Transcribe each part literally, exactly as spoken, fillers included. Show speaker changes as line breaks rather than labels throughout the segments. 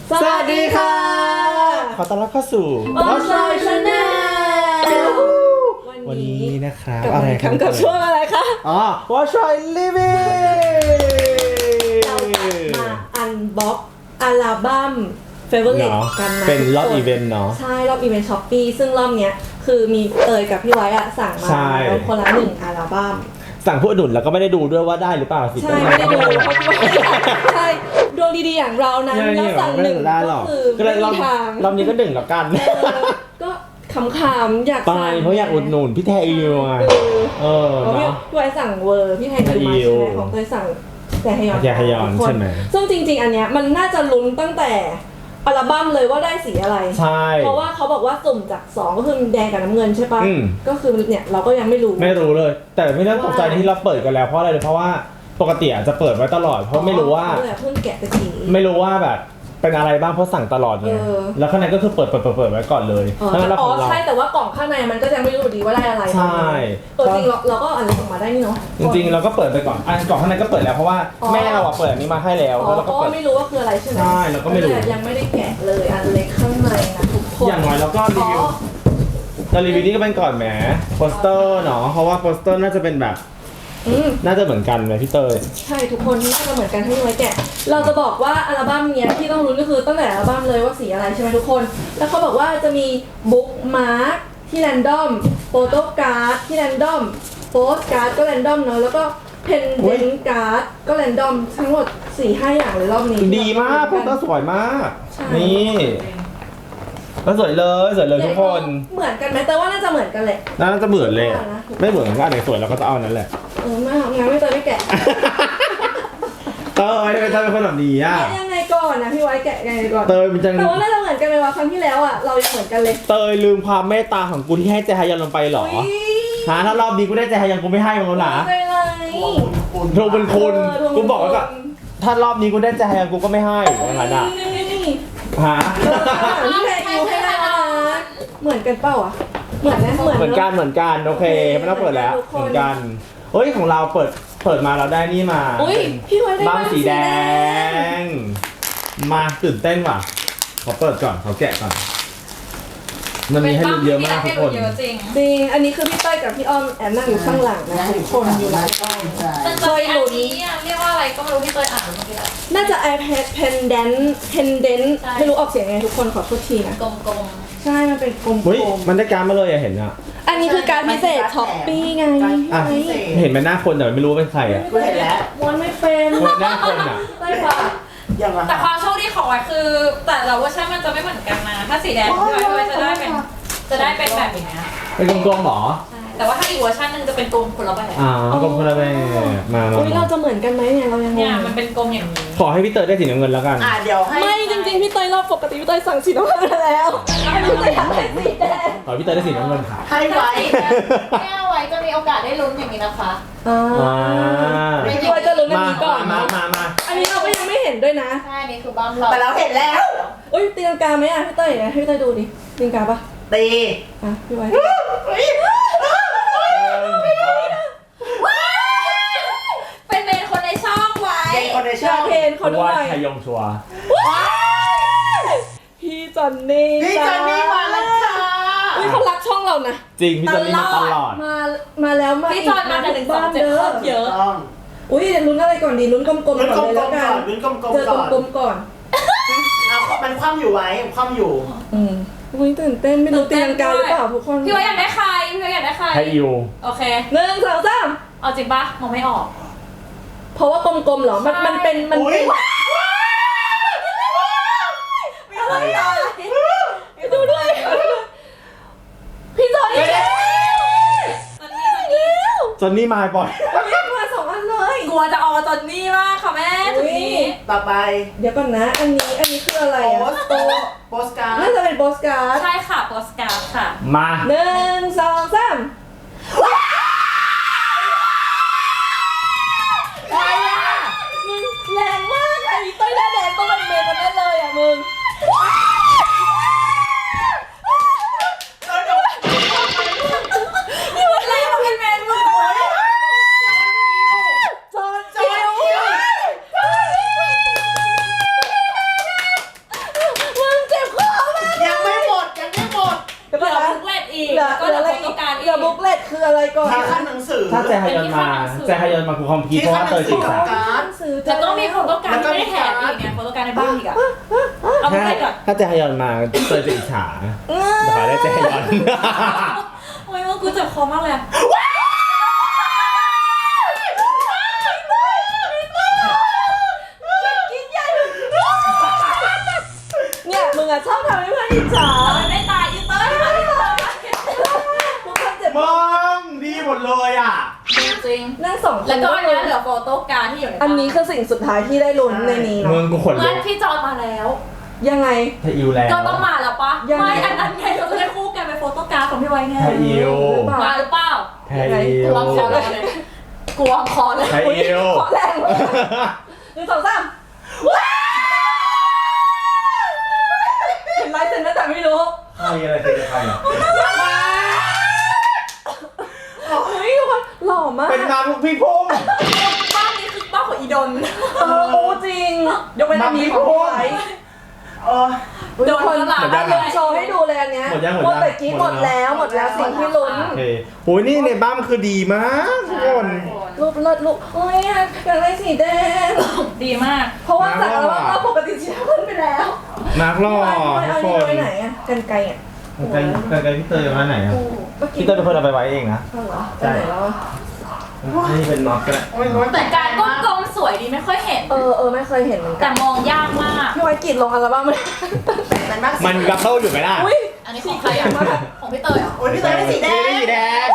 สวัสดีค่ะ
ขอต้อนรับเข้าสู่
Watch My Channel
วันนี้นะครับ
กับ
อะไรครับ
กับช่วงอะไรคะ
อ๋อ Watch My Living
เรามาอันบ็อกอัลบั้ม Favorite
เนาะ
กันนะ
เป็นรอบ
ทุกค
อีเวนต์เนาะ
ใช่ รอบอีเวนต์ช้อปปี้ซึ่งรอบเนี้ยคือมีเตยกับพี่ไว้อะสั่งมา
ใช่
แล้วคนละหนึ่งอัลบั้ม
สั่งผู้อดุลแล้วก็ไม่ได้ดูด้วยว่าได้หรือเปล่าสิ
ใช่ ไม่ได้ดูเพราะว่าใช่ดวงดีๆอย่างเรานั้น
ใช่
แล้วสั่งหนึ่ง
ไม่ได้หร
ก็
อก
คือ
ก็เลย
ไม่
รอ
มี
บ
ทาง
รอบนี้ก็หนึ่งแล้วกัน
เออก็ขำๆอยาก
ไป
สั่ง
เพราะอยากอุดหนุนพี่แทอิวไง
เออ
เออ
เพราะพี่
เนาะ
พี่ไว้สั่งเวอร์พี่ไทยดูมา
อิ
ใช่
ว
ไหมของเตยสั่งแต่ฮยอน
แต่ฮยอน
ทุกค
ใช่ไหม
ซึ่งจริงๆอันเนี้ยมันน่าจะลุ้นตั้งแต่อัลบั้มเลยว่าได้สีอะไร
ใช่
เพราะว่าเขาบอกว่าสุ่มจากสองก็คือแดงกับน้ำเงินใช่ปะ
อืม
ก็คือเนี่ยเราก็ยังไม่รู้
ไม่รู้เลย แต่ไม่ต้องตกใจที่เราเปิดกันแล้วเพราะอะไรเลยเพราะว่าปกติอาจจะเปิดไว้ตลอดเพราะไม่รู้ว่า
เออเพิ่งแกะตะกี้
ไม่รู้ว่าแบบเป็นอะไรบ้างเพราะสั่งตลอดไง
เออ
แล้วข้างในก็คือเปิดเปิดเปิดเปิดไว้ก่อนเลย
อ๋อ
ทั้งนั้นเรา
อ๋
ข
อ
องเรา
ใช่แต่ว่ากล่องข้างในมันก็ยังไม่รู้อยู่ดีว่าได้อะไร
ใช่
เออจริงเราเราก็อ่านออกมาได้นี่เนาะ
จริงๆเราก็เปิดไปก่อนอันกล่องข้างในก็เปิดแล้วเพราะว่า
อ๋อ
แม่เราอะเปิดอันนี้มาให้แล้ว
อ๋อ
แล้วเรา
เพ
ก็
ราะ
เปิ
ว่า
ด
ไม่รู้ว่าคืออะไรใช่ไหม
ใช่เราก็ไม่รู้
แต่ยังไม่ได้แกะเลยอันเล็กข้างในนะทุกคน
อย่างน้อยเราก็รีวิว
อ๋อ
เรารีวิวนี่ก็เป็นก่อนแหมโปสเตอร์เนาะเพราะว่าโปสเตอร์น่าจะเป็นแบบ
อืม
น่าจะเหมือนกันไหมพี่เตย
ใช่ทุกคนน่าจะเหมือนกันที่ไว้แกะ เราจะบอกว่าอัลบั้มเนี้ยที่ต้องรู้ก็คือตั้งแต่อัลบั้มเลยว่าสีอะไรใช่ไหมทุกคน แล้วเขาบอกว่าจะมีบุ๊กมาร์คที่แรนดอมโฟโต้การ์ดที่แรนดอมโปสการ์ดก็แรนดอมเนาะแล้วก็เพนเดนการ์ดก็แรนดอมทั้งหมด สี่ห้า อย่างเลยรอบนี้
ดีมากโปสเตอร์สวยมาก
ใช่
นี่แล้วสวยเลยสวยเลยทุกคน
เหมือนกันไหมแต่ว่าน่าจะเหมือนกันแหละ
น่าจะเหมือนเลยอะไม่เหมือนก็อันไหนสวยเราก็จะเอาอันนั้นแหละ
เออไม่เอางั้นไม่เตยไม่แกะ
เตยทำไมเตยเป็นคนแบบนี้อ่ะ
ยังไงก่อนนะพี่ไว้แกะยังไงก่อน
เตยมันจัง
แต่ว่าน่าจะเหมือนกันเลยว่าครั้งที่แล้วอ่ะเรายังเหมือนกันเลย
เตยลืมความเมตตาของกูที่ให้เจฮายอนลงไปเหรอ
อุ๊ย
ฮะถ้ารอบนี้กูได้เจฮายอนกูไม่ให้มึงแล้วนะ
ไม่เลย
ทวงบุญคุณ
เออทวงบุญ
กูบอกแล้วก็ถ้ารอบนี้กูได้เจฮายอนกูก็ไม่ให้อย่างนั้นอ่ะ
นี่นี่นี่
ฮะ
เออพี่แพรคิวให้ได้นะเหมือนกันเปล่าอ่ะเหมือนนะเหมือน
เหมือนกันเหมือนกันโอเคไม่ต้องเปิดแล้วเหมือนกันเฮ้ยของเราเปิดเปิดมาเราได้นี่มา
อุ้ยพี่ไว้ได้
บ้างสีแดง มาตื่นเต้นว่ะขอเปิดก่อนขอแกะก่อนมันมีให้ดูเยอะมากทุกคน
เยอะจริง
จริงอันนี้คือพี่เต้ยกับพี่อ้อมแอบนั่งอยู่ข้างหลังนะทุกคนอยู่หลังกล้อง
แต่จะมีอันนี้อ่ะเรียกว่าอะไรก็ไม่รู้ที่เคยอ่านเมื่อกี้แล้ว
น่าจะ iPad pendant pendant
ใช่
ไม่รู้ออกเสียงไงทุกคนขอโทษทีนะ
กลม
ใช่มันเป็นกลม
เฮ้ย
ๆ
มันได้การดมาเลยอะเห็นอะ
อันนี้คือการพิเศษช้อปปี้ไง
อ่ะ
ไง
เห็นเป็นหน้าคนแต่ไม่รู้ว่าเป็นใครอะ
กูเห็นแล้ว
ม้วนไม่เป็น
คนหน้าคนอะ
ใช่ค่ะ
ยังไง
ๆแต่ความโชคดีของไว้คือ แต่ละเวอร์ชันมันจะไม่เหมือนกันนะ ถ้าสีแดงพี่ไว้พี่ไว้จะได้เป็นจะได้เป็นแบบอย่างเงี้ย
เป็นกลมๆหรอ
ใช่แต่ว่าถ้าอีกเวอร์ชันหนึงจะเป็นกลมคนละแบบ
อ๋อกลมคนละแบบมามา
อุ้ยเราจะเหมือนกันไหมเนี่ยเรายังง
เนี่ย
ง
มันเป็นกลมอย่างนี้
ขอให้พี่เตยได้สีน้ำเงินแล้วกัน
อ่ะเดี๋ยวให้
ไม่จริงๆพี่เตยรอบปกติพี่เตยสั่งสีน้ำเงินมาแล้วอันนี้พี่เตยอยากได้สีแดง
ขอให้พี่เตยได้สีน้ำเงินค่ะ
ให้ไว้
ไม่เอาไว้จะมีโอกาสได้ลุ้นอย่างนี้นะคะ
อ่า
อ่า
พี่เตยจะลุ้นอัน
มา
นี้ก่อน
มามามา
อันนี้เราก็ยังไม่เห็นด้วยนะ
ใช่นี่คือบัมเรา
แต่เราเห็นแล้ว
อุ้ยตีลังกาไหมอ่ะพี่เตยให้พี่เตยดูดิตีลังกาปะ
ตี
อ่ะพี่ไว้
เป็นเมนคนในช่องไว้
เด็กคนใน
อ
ช่
ยา
อก ง
เห็นเขาด้ว
ว่าย ชายงชัวร์
พี่จอนนี่
พี่จอนนี่มาแล้วค่ะ
อุ้ยเขารักช่องเรานะ
จริงพี่จอนนี่มาตลอด
มามาแล้วมา
พี่จอนมาแต่หนึ่งสองเจ็ด
เด้
โค
อ
ตรเยอะ
ต้อง
อุ้ยลุ้นอะไรก่อนดีลุ้นกลมๆก่อน
ลุ้นกล
เลย
ม
แล้ว
ๆ
กั
ก่อน นลุ้นกลม
เจอ
ๆก่อน
กลมๆก่อน
เอามันคว่ำอยู่ไว้มันคว่ำอยู่
อืมอุ้ยตื่นเต้นไม่รู้ตีลังกาหรือเปล่าทุกคน
พี่ไว้อยากได้ใครพี่ไว้อยากได้ใคร
ให้อิว
โอเค
หนึ่งสองสาม
เอาจริงปะมองไม่ออก
เพราะว่ากลมๆเหรอมันมันเป็นมัน
อุ้
เป็
ย
นอะไรอ่ะดูด้วยพี่จอนนี่
ตอนนี้ตอนนี้
จอนนี่มาบ่อย
มาสองอันเลย
กลัวจะออกตอนนี้มากค่ะแม่จุดนี้
ต่อไป
เดี๋ยวก่อนนะ อันนี้อันนี้คืออะไร
โพ
อ่ะ
สโตโพสการ์
น่า
ด
จะเป็นโปสการ์ด
ใช่ค่ะโปสการ์ดค่ะ
มา
หนึ่งสองสาม
ใครอ่ะ
มึงแรงมากไอ้เต้ยหน้าแดงต้องเป็นเมย์มันแน่เลยอ่ะมึง
เดี๋ยวเดี๋ยว
อะไรมาเป็นแมนมึง
จอน
จอยคิว
เหลือ
ก็
เห
เห
ลื
ลื
อ
อ
อะไร
โฟ
อี
โต้
ก
การ์ด
เหลือบุ๊กเล็ตคืออะไรก่อน
ที่ขั้นหนังสือ
ถ้าแจฮยอนมาแจฮยอนมาคือคอมพีเพราะว่าเตยจีบสาว
การ์ด
ซื้อ
แล้วก็มีโฟโต้การ์ดที่ไม่ได้แถมอีกไงโฟโต้การ์ดในบ้านอีกอะเอาไป
ถ้า
ก่อน
ถ้าแจฮยอนมาเตยจะอิจฉาเดี๋ยวขอได้แจฮยอน
โอ้ยว่ากูเจ็บคอมากเลยอะ
เนี่ยมึงอะชอบทำให้เพื่อนอิจฉา
ไม่ตายอีเตอร์ค่ะอีเตอร์
ทุกคนเจ็บ
มึงดีหมดเลยอ่ะ
จริง
นั่งสองคน
แล้วก็อันนี้เหลือโฟโต้การ์ดที่อยู่ในบ้าน
อันนี้คือสิ่งสุดท้ายที่ได้ลุ้นในนี้
มึ
เนาะ
งกูขนลุ
เพื่อน
ก
พี่จอนมาแล้ว
ยังไง
ไทยอิวแล้ว
ก็ต้องมาแล้วปะ
ยังไง
ไม่อันนั้นไงเราจะได้คู่กันเป็นโฟโต้การ์ดของพี่ไว้ไง
ไทยอิว
มาหรือเปล่า
ไทยอิ
ก
ว
วางคอเลยกวางคอเลย
ไทยอิว
ขอแรงเลยหนึ่งสองสามเห็นลายเซ็นแล้วแต่ไม่รู้
ใครอะไรใครจะใครอ่ะ
เฮ้ยทุกคนหล่อมาก
เป็นมาทุกพี่พุ่ง
บ้านนี้คือบ้านของอีดน
เออโอ้จริงยกเป็นอันนี้ของพี่ไว้
เออ
โดน
คน
ตลาด
ลงโชว์ให้ดูเลยอันเนี้ย
หมดยังหมด
หมด
ยัง
แต่กี้หมดแล้วหมดแล้วสิ่งที่ลุ้น
โอเคโหนี่ในบ้านมันคือดีมากทุกคน
รูปเลิศรูปโอ้ยอยากได้สีแดง
ดีมาก
เพราะว่าจากอัลบั้มเราปกติสีน้ำเงินไปแล้ว
นักหล่อ
พี่ไว้
ทุ
เอา
กคน
นี่ไว้ไหนอะกันไกลอะ
ไกลไกลพี่เตยมาไหนอ่ะ
เมื่อกี้
พี่เตยเป็นคนเอาไปไว้เองนะ
เอาเหรอ
ใช่
ไปไหนแล้วอะ
นี่เป็นน็อตก็ได้
โอ้ยร้อน
แต่การก้มกลมสวยดีไม่ค่อยเห็น
เออเออไม่เคยเห็นเหมือนกั
แต่
น
มองยากมาก
พี่ไว้กรีดลงอัลบั้มเลย
แต่มาก
มันกับเข้าอยู่ไหมล่ะ
อุ้ย
อันนี้ของใครอ่ะของพี่เตยเหรอ
โอ้ยพี่เตยได้สีแดง
สีแดง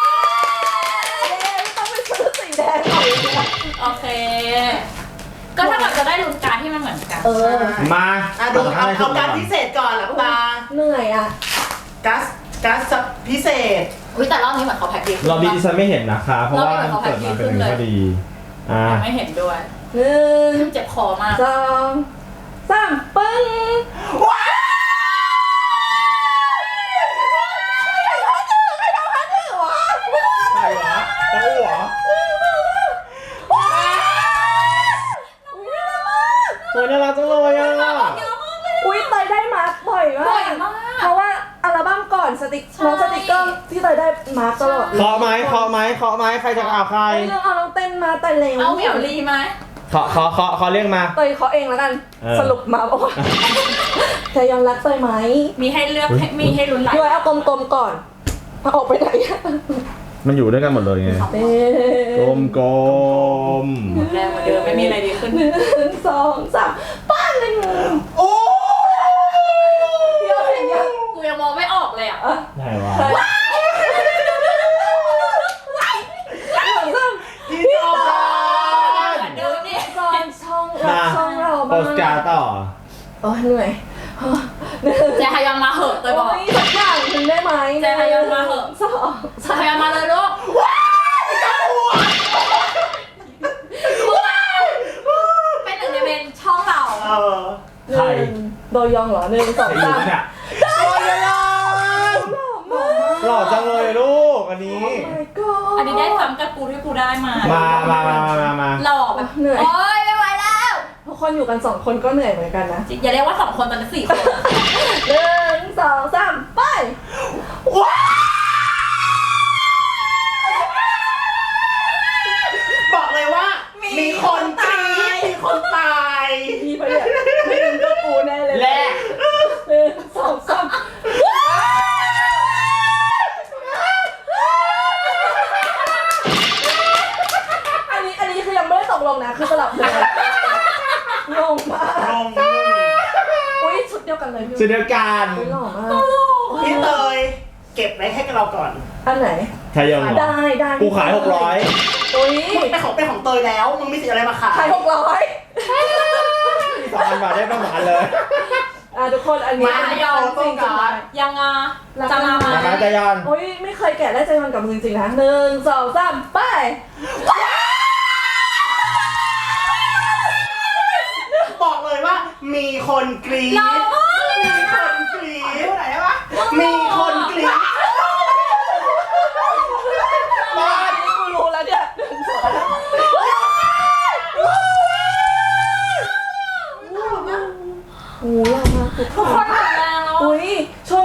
ต้องไปซื้อสีแดงก่อน
โอเค ก็ถ้าเราจะได้ลุ้นการดที่มันเหมือนกัน
เออ
มา
อ่ะดูเอาเอาการพิเศษก่อนหลับตา
เหนื่อยอะ
กัสกัสพิเศษ
อุ้ยแต่รอบนี้เหมือนเขาแพ็คดีขึ้น
รอบนี้ดิฉันไม่เห็นนะคะ เพราะว่ามันเปิดมาเป็นอย่างนี้พอดี อ่า
ไม่เห็นด้วย
หนึ่ง
เจ็บคอมาก
สองสามปึ้ง
ใช่เหรอเต้าเหรอโอ้ยน่ารักจังเลยอ่ะ
อุ้ยเตยได้มาร์คบ่อยมา
บ่อย
ก
มาก
เพราะว่าอัลบั้มก่อนสติก
ใช่
น้องสติกเกอร์ที่เตยได้มาร์คตลอด
เคาะไหมเคาะไหมเคาะไหมใครจะเอาใคร
เฮ้ยเราเอาน้องเต้นมาแต่เร็ว
เอาเหมียวลีไหม
เคาะเคาะเคาะเคาะเรียกมา
เตยเขาเองแล้วกัน
เออ
สรุปมาบอกว่าจะยอมรักเตยไหม
มีให้เลือกให้มีให้ลุ้นหลาย
พี่ไว้เอากลมๆก่อนเอาออกไปไหนอะ
มันอยู่ด้วยกันหมดเลยไง
เต้
กลมกลม
แรงเหมือนเดิมไม่มีอะไรดีขึ้น
หนึ่งสองสามป้านเลยมึง
โอ้
เดี๋ยวเห็นยัง
กูยังมองไม่ออกเลยอ่ะ
อ่ะ
ไหนวะ
ใช่หนึ่งสอง
พี่จอ
เหมือนเดิมนี่
สามช่องรักช่องเรา
โป
บ้าง
สการ์ดต่อ
โอ้ยเหนื่อยหนึ่ง
แจฮยอนมาเหอะเตยบอก
โอ้ยสักอย่างหนึ่งได้ไหม
แจฮยอนมาเหอะ
สอง
แจฮยอนมาเลยลูกเป็นหนึ่งในเมนช่องเรา
เออ
หนึ่งโดยองเหรอหนึ่งสอง
ใครอยู่
สาม
เนี่ย
โดยอง
หล่อจังเลยลูกอันนี้
my god
อันนี้ได้ซ้ำกับกูที่กูได้มา
มามามามามา
หล่อแบบ
เหนื่อย
โอ๊ยไม่ไหวแล้ว
ทุกคนอยู่กันสองคนก็เหนื่อยเหมือนกันนะ
อย่าเรียกว่าสองคนตอนนี้สี่คน
หนึ่งสองสามไป
บอกเลยว่า มีคนตายมีคนตาย
มีไปเนี่ยไม่เป็นก็กูแน่เลย
แลก
หนึ่งสองสามอันนี้อันนี้คือยังไม่ได้ตกลงนะคือสลับเลยงงมาก
ลง
อุ้ยชุดเดียวกันเลยพี่
สุดเดียวกัน
อุ้ยหล่อมาก
พี่เตยเก็บไว้ให้กับเราก่อน
อันไหน
ไทยยอนเหรอ
ได้ได้
กูขายหกร้อย
อุ้ย
มึงเป็นของเป็นของเตยแล้ว มึงมีสิทธิ์อะไรมาขาย
ขายหกร้อย
สองพันบาทได้ประมาณเลย
อ่ะทุกคนอันนี้
มา
ยอนจริงจัง
ยังอ่ะจะมาไหม
มาไทยยอน
โอ้ยไม่เคยแกะได้ใจมันกับมือจริงนะหนึ่งสองสามไป
บอกเลยว่า มีคนกรี๊ดมีคนกรี๊ดไหนวะมีคนกรี๊ด
บ้านนี้กูรู้แล้วเนี่ยหนึ่งสองสามโอ้ยมากทุกค
ทุกคน
น
หมดแรงแล้ว
อุ้ยช่วงนี้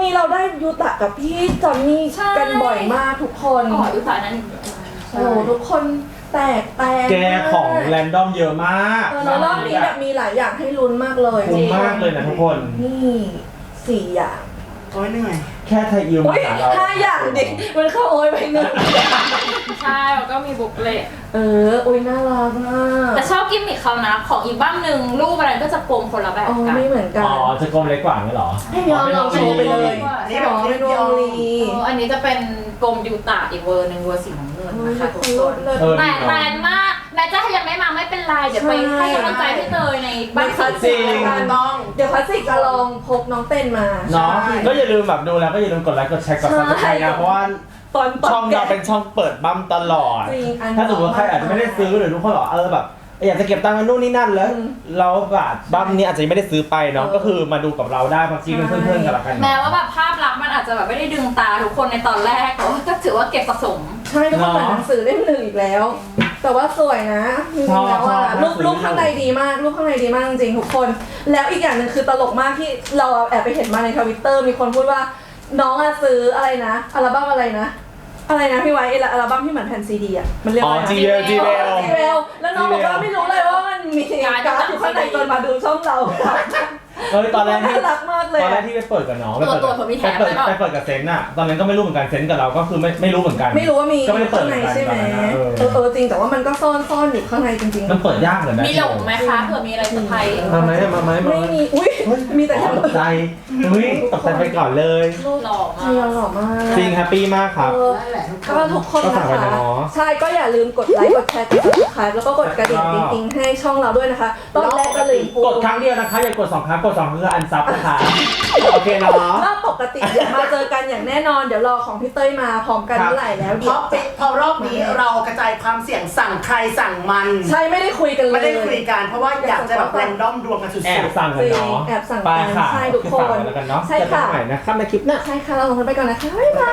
นี้เราได้ยูตะกับพี่จอนนี่
ใช่
กันบ่อยมากทุกคน
อ๋ออุตส่าห์นั้น
โอ้โหทุกคนแตกแตก
แกของแรนดอมเยอะมาก
เออแล้วรอบนี้แบบมีหลายอย่างให้ลุ้นมากเลย
คุ้มมากเลยนะทุกคน
นี่สี่อย่าง
โอ้ยเหนื่อย
แค่ไทยอิว
อุ้
มาย หาเรา
ห้าอย่างดิมันเข้าโอ้ยไปหนึ่ง
ใช่แล้วก็มีบุ๊กเลต
เอออุ้ยน่ารักมาก
แต่ชอบกิมมิคเขานะของอีกบ้างหนึ่งรูปอะไรก็จะกลมคนละแบบ
อ๋อ
กัน
ไม่เหมือนกัน
อ๋อจะกลมเล็กกว่านี้เหรอ
ให้ยอมลองโชว์ไปเลย
นี่
อ๋
แบบ
อเป็นวงลี
เอออันนี้จะเป็นกลมยูตะอีกเวอร์หนึ่งเวอร์สีน้ำเงินนะคะทุกคน
เลิศ
เออ
แต่แรงมากแม้จะยังไม่มาไม่เป็นไรเดี๋ยวไปให้กำลังใจพี่เตยในบ้าน
คลาส
สี
สิกกัน
ต้อง
เดี๋ยวคลาสสิกจะลองพกน้องเต้นมา
เนาะ
ใช่
ก็อย่าลืมแบบดูแล้วก็อย่าลืมกดไลค์กดแชร์กดซับสไครต์นะเพราะว่า
ตอนตอน
ช่องเราเป็นช่องเปิดบัมตลอด
จริงอัน
ถ้าสมมติว่าใครอาจจะไม่ได้ซื้อหรือทุกคนบอกเออแบบอยากจะเก็บตังค์กันนู่นนี่นั่นแล้ว
อืม
เราแบบบัมนี้อาจจะยังไม่ได้ซื้อไปเนาะ
เออ
ก็คือมาดูกับเราได้มากินเป็นเพื่อนๆกันละกัน
แม้ว่าแบบภาพลักษณ์มันอาจจะแบบไม่ได้ดึงตาทุกคนในตอนแรกแต่ว่าก็ถือว่าเก็บสะสม
ใช่ทุกคนเหมือนหนังสือเล่มหนึ่งอีกแล้ว แต่ว่าสวยนะจริงๆแล้วอ่ะรูปรูปข้างในดีมากรูปข้างในดีมากจริงๆทุกคน แล้วอีกอย่างหนึ่งคือตลกมากที่เราแอบไปเห็นมาในทวิตเตอร์มีคนพูดว่าน้องอะซื้ออะไรนะอัลบั้มอะไรนะ อะไรนะพี่ไว้ไอ้อัลบั้มที่เหมือนแผ่นซีดีอ่ะมันเรียก
อ๋อ
ว่าอะไร
จีเวลจีเวล
จีเวลแล้วน้องบอกว่าไม่รู้เลยว่ามันมีการ์ดอยู่ข้างในจนมาดูช่องเรา
เออตอนแรกที่
น่ารักมากเลย
ตอนแรก
อะ
ที่ไปเปิดกับน้องไปเปิด
ตัวตัวผมมีแถ
ไป
ม
เปิด
ไว้เปล่า
ไปเปิดกับเซนต์อะตอนนั้นก็ไม่รู้เหมือนกันเซนต์กับเราก็คือไม่ไม่รู้เหมือนกัน
ไม่รู้ว่ามี
ก็ไม่ได้เปิด
ข้างในใช่ไหม
ตอนนั้นนะ
เอ
เอ
อ
อ
เออจริงแต่ว่ามันก็ซ่อนซ่อนอยู่ข้างในจริงๆ
มันเปิดยากเหมือนกัน
มีหลงไหมคะเผื่อมีอะไรเซอร์ไพรส์
มาไหมมาไหมมา
ไม่
ไหม
มีอุ้ยมีแต่
อ๋อตกใจเฮ้ยตกใจไปก่อนเลย
หล่อ
ใช่
มาก
หล่อมาก
จริงแฮปปี้มากครับ
เออ
นั่นแหละทุกค
ก็
น
ทุกคน
ก็
นะ
ฝากไว้
คะ
เนาะ
ใช่ก็อย่าลืมกดไลค์กดแชร์กด subscribe แล้วก็กดกระดิ่งติ๊งๆให้ช่องเราด้วยนะคะตอนแรกก็ลืมพู
กดครั้งเดียวนะคะอย่ากดสองครั้งกดสองครั้งคืออันซับนะคะโอเคเนาะ
รอบปกติเดี๋ยวมาเจอกันอย่างแน่นอนเดี๋ยวรอของพี่เต้ยมาพร้อมกัน
ครับ
เมื่อไหร่แล้ว
เพ
เดี๋ยว
ราะปิเพราะรอบนี้เรากระจายความเสี่ยงสั่งใครสั่งมัน
ใช่ไม่ได้คุยกันเลย
ไม่ได้คุยกันเพราะว่าอยากจะแบบแรนดอมดวงกันสุด
แอบ
ๆ
สั่งกันเนาะ
แอบสั่งกัน
ไปค่ะ
ใช่ทุกคน
ฝาไว้แล้วกันเนาะ
ใช่
เจอกัน
ค่ะ
ใหม่นะครับในคลิปหน้า
ใช่ค่ะเราลงกันไปก่อนนะคะบ๊ายบาย